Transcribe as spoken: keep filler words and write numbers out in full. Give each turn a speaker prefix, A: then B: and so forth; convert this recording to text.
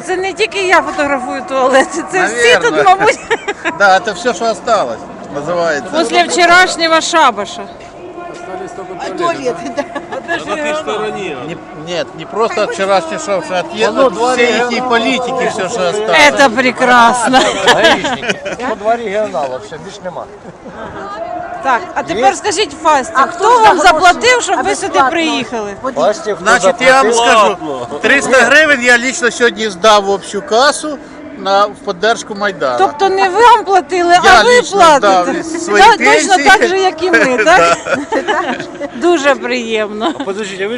A: це не тільки я фотографую туалети, це всі
B: Наверно.
A: тут, мабуть,
B: Да, это все, что осталось, называется.
A: після вчорашнього шабаша.
C: Туалеты, да.
D: На той стороні.
B: Не- нет, не просто от вчерашнего шоу, что от, от всей этой политики все, что осталось.
A: Це прекрасно.
E: По два регіонала, все, більш нема.
A: Так, а тепер скажіть Фасті,
C: А
A: хто
C: хто
A: вам
C: за
A: заплатив,
C: гроші?
A: щоб
C: А
A: ви сюди
C: безплатно?
A: приїхали?
E: Бачите, хто
B: Значит, я вам
E: заплатив?
B: скажу, триста гривен я лично сегодня сдав в общую кассу на, в поддержку Майдана.
A: Тобто не вам платили,
B: Я
A: а ви
B: лично
A: платите.
B: дав свої
A: Да,
B: пенсії.
A: точно так же, як і ми, так? Дуже приємно.
E: Подождіть, а ви